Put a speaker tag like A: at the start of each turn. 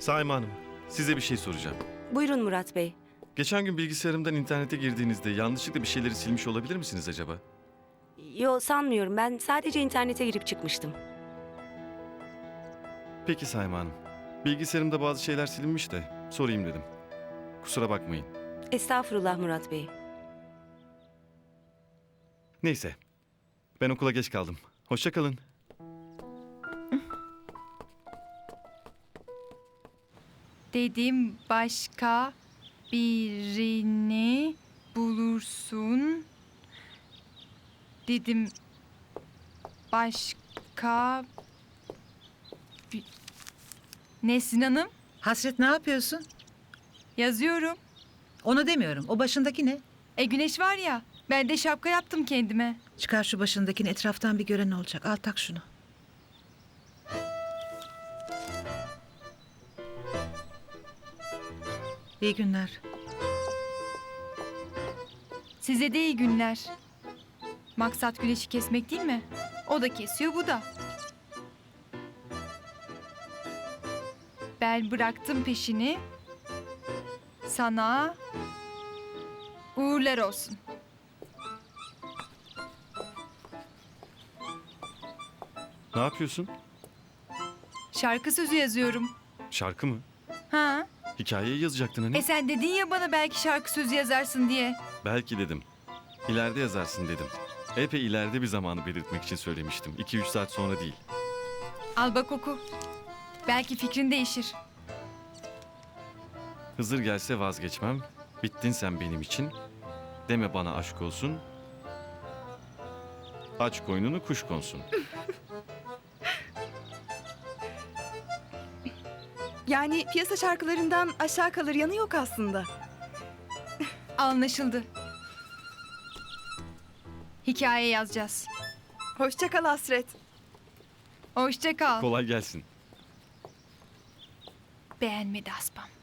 A: Saime Hanım, size bir şey soracağım.
B: Buyurun Murat Bey.
A: Geçen gün bilgisayarımdan internete girdiğinizde yanlışlıkla bir şeyleri silmiş olabilir misiniz acaba?
B: Yo, sanmıyorum. Ben sadece internete girip çıkmıştım.
A: Peki Saime Hanım. Bilgisayarımda bazı şeyler silinmiş de sorayım dedim. Kusura bakmayın.
B: Estağfurullah Murat Bey.
A: Neyse. Ben okula geç kaldım. Hoşça kalın.
C: Dedim başka birini bulursun. Dedim başka Nesrin Hanım,
D: Hasret, ne yapıyorsun?
C: yazıyorum.
D: Onu demiyorum. O başındaki ne?
C: Güneş var ya, ben de şapka yaptım kendime.
D: Çıkar şu başındakini, etraftan bir gören olacak. Al tak şunu. İyi günler.
C: Size de iyi günler. Maksat güneşi kesmek değil mi? O da kesiyor, bu da. Ben bıraktım peşini. Sana uğurlar olsun.
A: Ne yapıyorsun?
C: Şarkı sözü yazıyorum.
A: Şarkı mı?
C: Ha?
A: Hikayeyi yazacaktın hani.
C: Sen dedin ya bana belki şarkı sözü yazarsın diye.
A: Belki dedim. İleride yazarsın dedim. Epey ileride bir zamanı belirtmek için söylemiştim. 2-3 saat sonra değil.
C: Al bak oku. Belki fikrin değişir.
A: Hızır gelse vazgeçmem. Bittin sen benim için. Deme bana aşk olsun. Aç koynunu kuş konsun.
E: Yani piyasa şarkılarından aşağı kalır yanı yok aslında.
C: Anlaşıldı. Hikaye yazacağız.
E: Hoşça kal Hasret.
C: Hoşça kal.
A: Kolay gelsin.
C: Beğenmedi Aspam.